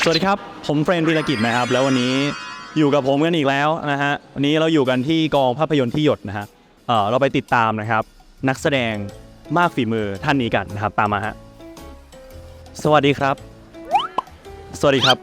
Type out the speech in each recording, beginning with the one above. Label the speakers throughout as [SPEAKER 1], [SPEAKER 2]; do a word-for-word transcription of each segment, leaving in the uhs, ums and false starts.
[SPEAKER 1] วัสดีครับผมเฟรนธีรกิจนะครับแล้ววันนี้อยู่กับผมกันอีกแล้วนะฮะวันนี้เราอยู่กันที่กองภาพยนตร์ที่หยดนะฮะเออเราไปติดตามนะครับนักแสดงมากฝีมือท่านนี้กันนะครับตามมาฮะสวัสดีครับสวัสดีครับ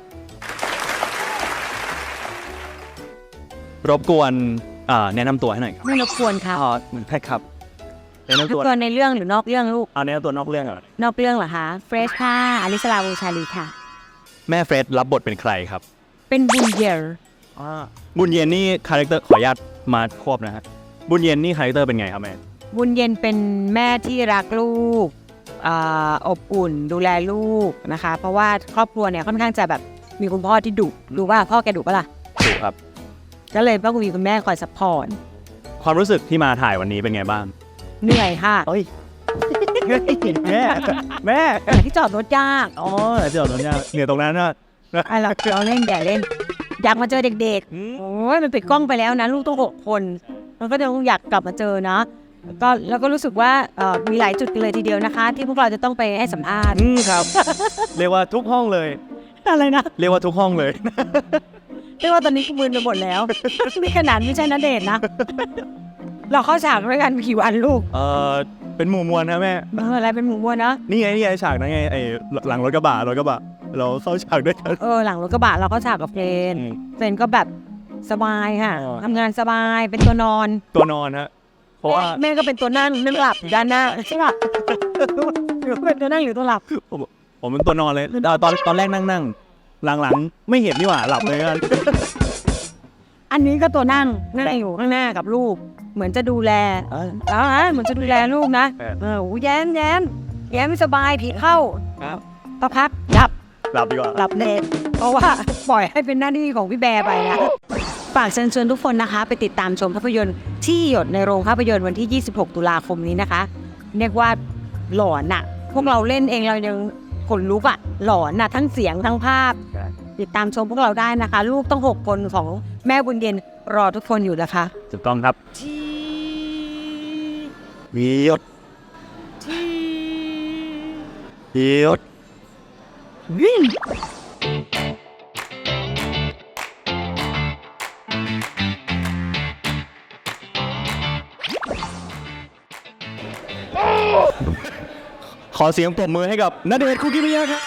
[SPEAKER 1] รบกวนแนะนำตัวให้หน่อยครับ
[SPEAKER 2] ไม่รบกวนค่ะ
[SPEAKER 1] อ๋อแพ็คครับแนะนำตัว
[SPEAKER 2] ในเรื่องหรือนอกเรื่องลูก
[SPEAKER 1] เอาแนะนำตัวนอกเรื่องก่อน
[SPEAKER 2] นอกเรื่องเหรอคะเฟรชค่ะอลิสลาวงชาลีค่ะ
[SPEAKER 1] แม่เฟรดรับบทเป็นใครครับ
[SPEAKER 2] เป็นบุญเย็น
[SPEAKER 1] บุญเย็นนี่คาแรคเตอร์ขออนุญาตมาควบนะฮะบุญเย็นนี่คาแรคเตอร์เป็นไงครับแม่
[SPEAKER 2] บุญเย็นเป็นแม่ที่รักลูกอบอุ่นดูแลลูกนะคะเพราะว่าครอบครัวเนี่ยค่อนข้างจะแบบมีคุณพ่อที่ดุดูว่าพ่อแกดุปะล่ะ
[SPEAKER 1] ดุครับ
[SPEAKER 2] ก็เลยต้องมีคุณแม่คอยซัพพอร์ต
[SPEAKER 1] ความรู้สึกที่มาถ่ายวันนี้เป็นไงบ้าง
[SPEAKER 2] เหนื่อยค่ะ
[SPEAKER 1] เฮ้ยแม่แม่
[SPEAKER 2] ที่จอดรถยาก
[SPEAKER 1] อ๋อที่จอดรถยากเหนื่อยตรงนั้นนะ
[SPEAKER 2] ไอ้เราเราเล่นแย่เล่นอยากมาเจอเด็กๆโอ้ยมันปิดกล้องไปแล้วนะลูกต้องหกคนมันก็จะอยากกลับมาเจอนะก็แล้วก็รู้สึกว่ามีหลายจุดเลยทีเดียวนะคะที่พวกเราจะต้องไปให้สัมภาษณ์
[SPEAKER 1] ครับเรียกว่าทุกห้องเลย
[SPEAKER 2] อะไรนะ
[SPEAKER 1] เรียกว่าทุกห้องเลย
[SPEAKER 2] เรียกว่าตอนนี้กูมึนไปหมดแล้วนี่ขนาดไม่ใช่ณเดชน์นะเราเข้าฉากด้วยกันกี่วันลูก
[SPEAKER 1] เออเป็นหมู่มวลนะแม่
[SPEAKER 2] เอออะไรเป็นหมู่มวลนะ
[SPEAKER 1] นี่ไงนี่ไงฉากนั้นไงไอ้หลังรถกระบะรถกระบะเราเข้าฉากด้วยกัน
[SPEAKER 2] เออหลังรถกระบะเราเข้าฉากกับเฟรนเฟรนก็แบบสบายค่ะทำงานสบายเป็นตัวนอน
[SPEAKER 1] ตัวนอนฮะเพราะว่า
[SPEAKER 2] แม่ก็เป็นตัวนั่งนั่งหลับด้านหน้าใช่ป่ะเป็นตัวนั่งหรือตัวหลับ
[SPEAKER 1] ผมผมเป็นตัวนอนเลยตอนตอนแรกนั่งนั่งหลังๆไม่เห็นนี่หว่าหลับเลยกัน
[SPEAKER 2] อันนี้ก็ตัวนั่งนั่งอยู่ข้างหน้ากับลูกเหมือนจะดูแลแล้วฮะเหมือนจะดูแลลูกนะเออโอ้แย้มแย้มแย้มไม่สบายผีเข้า
[SPEAKER 1] ครับ
[SPEAKER 2] ต่อพักหลับ
[SPEAKER 1] หลับดีกว่า
[SPEAKER 2] หลับเลยเพราะว่าปล่อยให้เป็นหน้าที่ของพี่แบร์ไปนะฝากเชิญชวนทุกคนนะคะไปติดตามชมภาพยนตร์ที่หยดในโรงภาพยนตร์วันที่ยี่สิบหกตุลาคมนี้นะคะเรียกว่าหลอนน่ะพวกเราเล่นเองเรายังขนลุกอ่ะหลอนน่ะทั้งเสียงทั้งภาพติดตามชมพวกเราได้นะคะลูกต้องหกคนของแม่บุญเย็นรอทุกคนอยู่นะคะ
[SPEAKER 1] ถูกต้องครับมียศมียศ
[SPEAKER 2] วิ่ง
[SPEAKER 1] ขอเสียงปรบมือให้กับณเดชน์ คุกิมิยะครับ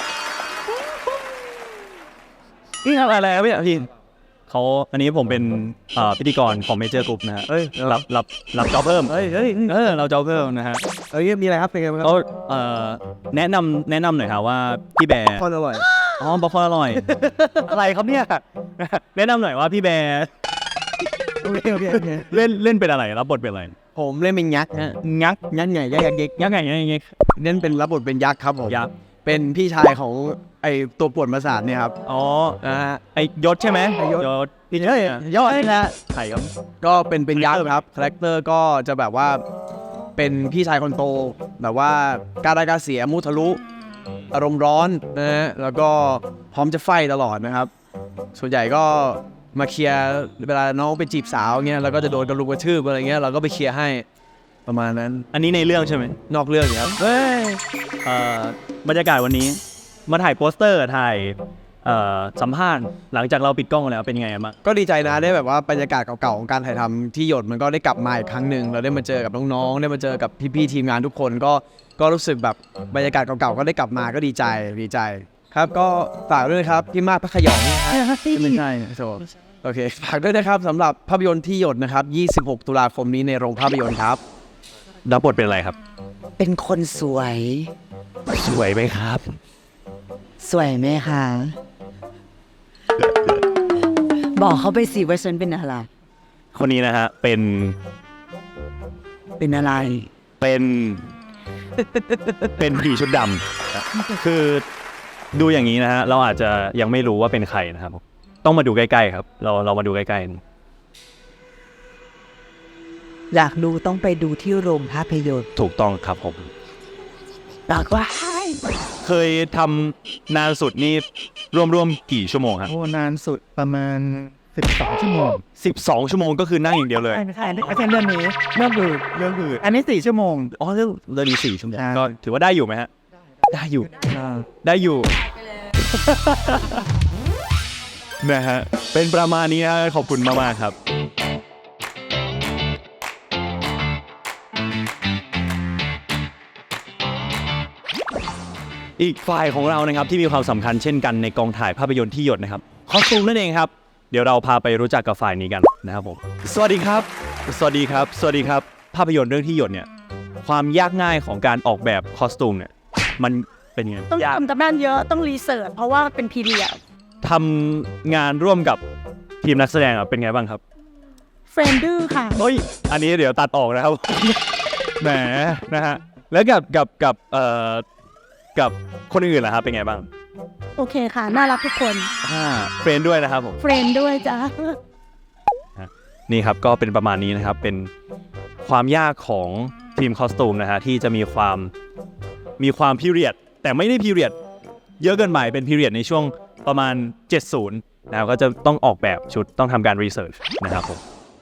[SPEAKER 1] นี่ทำอะไรครับพี่พี่เขาอันนี้ผมเป็นพิธีกรของเมเจอร์กรุ๊ปนะฮะเอ้ยรับรับรับจ็อบเพิ่มเฮ้ยเฮ้ยเออเราจ็อบเพิ่มนะฮะ
[SPEAKER 3] เอ้ยมีอะไรครับเป็นไงบ้างครับ
[SPEAKER 1] เอ่อแนะนำแนะนำหน่อยครับว่าพี่แบร์
[SPEAKER 3] คอนอร่อย
[SPEAKER 1] อ๋อบัฟฟออร่อยอะไรครับเนี่ยแนะนำหน่อยว่าพี่แบร์
[SPEAKER 3] โอเคโอเค
[SPEAKER 1] เล่นเล่นเป็นอะไรรับบทเป็นอะไร
[SPEAKER 3] ผมเล่นเป็นยักษ์ฮะ
[SPEAKER 1] ยักษ์
[SPEAKER 3] ยักษ์ใหญ่ยักษ์เด็ก
[SPEAKER 1] ยักษ์ใหญ่ยักษ์เด็ก
[SPEAKER 3] เล่นเป็นรับบทเป็นยักษ์ครับผม
[SPEAKER 1] ยักษ์
[SPEAKER 3] เป็นพี่ชายของไอตัวปวดประสาทเนี่ยครับ
[SPEAKER 1] อ๋อนะฮะไอยศใช่ไหม
[SPEAKER 3] ยศ
[SPEAKER 1] ยศ
[SPEAKER 3] พี่เฮ้ยยศนะ
[SPEAKER 1] ใครครับ
[SPEAKER 3] ก็เป็นเป็นยักษ์ครับคาแรคเตอร์ก็จะแบบว่าเป็นพี่ชายคนโตแบบว่ากล้าได้กล้าเสียมุทะลุอารมณ์ร้อนนะฮะแล้วก็พร้อมจะไฟตลอดนะครับส่วนใหญ่ก็มาเคลียร์เวลาน้องไปจีบสาวเงี้ยเราก็จะโดนกระลุกกระทืบอะไรเงี้ยเราก็ไปเคลียร์ให้ประมาณนั้น
[SPEAKER 1] อันนี้ในเรื่องใช่ไหม
[SPEAKER 3] นอกเรื่องครับเฮ้ย
[SPEAKER 1] บรรยากาศวันนี้มาถ่ายโปสเตอร์ถ่ายสัมภาษณ์หลังจากเราปิดกล้องแล้วเป็นยังไงบ้าง
[SPEAKER 3] ก็ดีใจนะได้แบบว่าบรรยากาศเก่าๆของการถ่ายทำที่หยดมันก็ได้กลับมาอีกครั้งหนึ่งเราได้มาเจอกับน้องๆได้มาเจอกับพี่ๆทีมงานทุกคนก็ก็รู้สึกแบบบรรยากาศเก่าๆก็ได้กลับมาก็ดีใจดีใจครับก็ฝากด้วยครับพี่มากพระขยอง
[SPEAKER 1] ไม่ใช่โถ
[SPEAKER 3] โอเคฝากด้วยนะครับสำหรับภาพยนตร์ที่หยดนะครับยี่สิบหกตุลาคมนี้ในโรงภาพยนตร์ครับ
[SPEAKER 1] รับบทเป็นอะไรครับ
[SPEAKER 2] เป็นคนสวย
[SPEAKER 1] สวยไหมครับ
[SPEAKER 2] สวยไหมคะบอกเขาไปสิว่าฉันเป็นอะไร
[SPEAKER 1] คนนี้นะฮะเป็น
[SPEAKER 2] เป็นอะไร
[SPEAKER 1] เป็นเป็นผีชุดดำคือดูอย่างนี้นะฮะเราอาจจะยังไม่รู้ว่าเป็นใครนะครับต้องมาดูใกล้ๆครับเราเรามาดูใกล้ๆ
[SPEAKER 2] อยากดูต้องไปดูที่โรงภาพยนตร์
[SPEAKER 1] ถูกต้องครับผม
[SPEAKER 2] บอกว่า
[SPEAKER 1] เคยทำนานสุดนี่รวมๆกี่ชั่วโมงครับ
[SPEAKER 3] โอ้นานสุดประมาณสิบสองชั่วโมง
[SPEAKER 1] สิบสองชั่วโมงก็คือนั่งอย่างเดียวเลย
[SPEAKER 3] ไม่ใช่ไม่ใช่เรื่องนี้เรื่องอื่น
[SPEAKER 1] เรื่องอื่น
[SPEAKER 3] อันนี้สี่ชั่วโมง
[SPEAKER 1] อ๋อเรื่องเรื่องนี้สี่ชั่วโมงก็ถือว่าได้อยู่ไหมฮะได้อยู่ได้อยู่นะฮะเป็นประมาณนี้นะขอบคุณมากๆครับ อีกฝ่ายของเรานะครับที่มีความสำคัญเช่นกันในกองถ่ายภาพยนตร์ที่หยดนะครับคอสตูมนั่นเองครับเดี๋ยวเราพาไปรู้จักกับฝ่ายนี้กันนะครับผมสวัสดีครับสวัสดีครับสวัสดีครับภาพยนตร์เรื่องที่หยดเนี่ยความยากง่ายของการออกแบบคอสตูมเนี่ยมันเป็นยังไง
[SPEAKER 4] ต้อง
[SPEAKER 1] ยาก
[SPEAKER 4] ทำตำนานเยอะต้องรีเสิร์ชเพราะว่าเป็นพีเรียด
[SPEAKER 1] ทำงานร่วมกับทีมนักแสดงอ่ะเป็นไงบ้างครับ
[SPEAKER 4] เฟรนดื้อค่ะ
[SPEAKER 1] เฮ้ยอันนี้เดี๋ยวตัดออกนะครับ แหมนะฮะแล้วกับกับกับเอ่อกับคนอื่นล่ะครับเป็นไงบ้าง
[SPEAKER 4] โอเคค่ะ น่ารักทุกคน
[SPEAKER 1] อ่าเฟรนด้วยนะครับผม
[SPEAKER 4] เฟรนด้วยจ้า
[SPEAKER 1] นี่ครับก็เป็นประมาณนี้นะครับเป็นความยากของทีมคอสตูมนะฮะที่จะมีความมีความพีเรียดแต่ไม่ได้พีเรียดเยอะเกินไปเป็นพีเรียดในช่วงประมาณเจ็ดสิบนะครับก็จะต้องออกแบบชุดต้องทำการรีเสิร์ชนะครับผม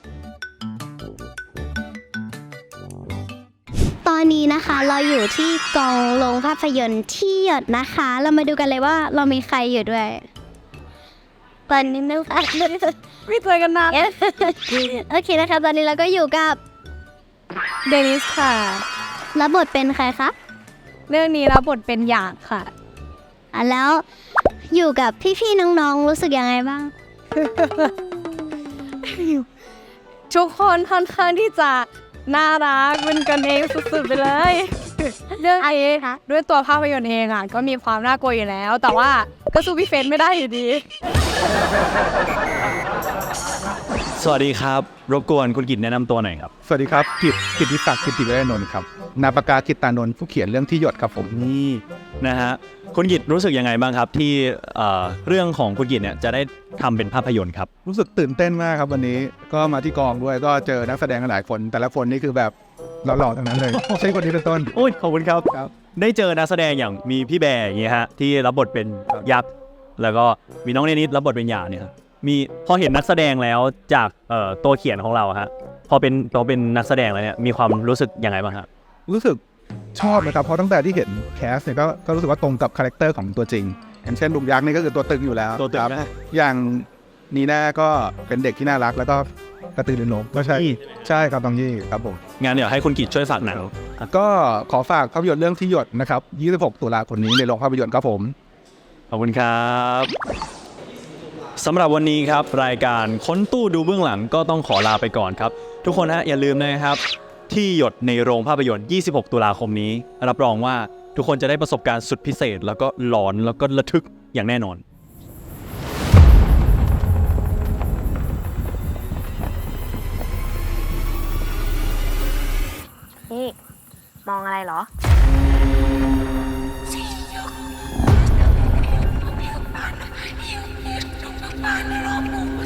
[SPEAKER 5] ตอนนี้นะคะเราอยู่ที่กองโรงภาพยนตร์ที่หยดนะคะ เรามาดูกันเลยว่าเรามีใครอยู่ด้วยตอนนี้นะคะ
[SPEAKER 4] ไม่เคยกันนาน
[SPEAKER 5] โอเคนะคะตอนนี้เราก็อยู่กับ
[SPEAKER 4] เดนิสค่ะ
[SPEAKER 5] รับบทเป็นใครคะ
[SPEAKER 4] เรื่องนี้รับบทเป็นหยาดค่ะ
[SPEAKER 5] อ่ะแล้วอยู่กับพี่ๆน้องๆรู้สึกยังไงบ้าง
[SPEAKER 4] ทุกคนค่อนข้างที่จะน่ารักเป็นกันเองสุดๆไปเลย เรื่องนี้ด้วยตัวภาพยนตร์เองอ่ะก็มีความน่ากลัวอยู่แล้ว แต่ว่าก็สู้พี่เฟรนไม่ได้อยู่ดี
[SPEAKER 1] สวัสดีครับรบกวนคุณกิตแนะนำตัวหน่อยครับ
[SPEAKER 6] สวัสดีครับกิตกิตติศักดิ์กิตติเวชนนท์ครับนาปากากิตตานนท์ผู้เขียนเรื่องที่หยดครับผม
[SPEAKER 1] นี่นะฮะคุณกิตรู้สึกยังไงบ้างครับที่เอ่อเรื่องของคุณกิตเนี่ยจะได้ทำเป็นภาพยนตร์ครับ
[SPEAKER 6] รู้สึกตื่นเต้นมากครับวันนี้ก็มาที่กองด้วยก็เจอนักแสดงหลายคน แต่ละคนนี่คือแบบหล่อๆทั้งนั้นเลย ใช่คนนี้เป็นต้น
[SPEAKER 1] โอ้ยขอบคุณครับ
[SPEAKER 6] ครับ
[SPEAKER 1] ได้เจอนักแสดงอย่างมีพี่แบร์อย่างเงี้ยฮะที่รับบทเป็นยักษ์แล้วก็มีน้องเนนิดรับบทเป็นหยาเนี่ยครับมีพอเห็นนักแสดงแล้วจากเอ่อตัวเขียนของเราฮะพอเป็นพอเป็นนักแสดงแล้วเนี่ยมีความรู้สึกยังไงบ้างครับ
[SPEAKER 6] รู้สึกชอบนะครับเพราะตั้งแต่ที่เห็นแคสเนี่ยก็ก็รู้สึกว่าตรงกับคาแรคเตอร์ของตัวจริงอย่างเช่นลุงยักษ์นี่ก็คือตัวตึงอยู่แล้ว
[SPEAKER 1] ตัวตึง
[SPEAKER 6] ครับ
[SPEAKER 1] นะ
[SPEAKER 6] อย่างนีน่าก็เป็นเด็กที่น่ารักแล้วก็กระตือรือร้นก็ใช่ใช่ครับตองยี่ครับผม
[SPEAKER 1] งานเดี๋ยวให้คุณกิตช่วยฝากหนัง
[SPEAKER 6] ก็ขอฝากภาพยนตร์เรื่องที่หยดนะครับยี่สิบหกตุลาคมนี้ในโรงภาพยนตร์ครับผม
[SPEAKER 1] ขอบคุณครับสำหรับวันนี้ครับรายการค้นตู้ดูเบื้องหลังก็ต้องขอลาไปก่อนครับทุกคนฮะอย่าลืมนะครับที่หยดในโรงภาพยนตร์ยี่สิบหกตุลาคมนี้รับรองว่าทุกคนจะได้ประสบการณ์สุดพิเศษ แล้วก็หลอนแล้วก็ระทึกอย่างแน่นอน
[SPEAKER 7] นี่มองอะไรเหรอ
[SPEAKER 8] บ้านในรอบหมู่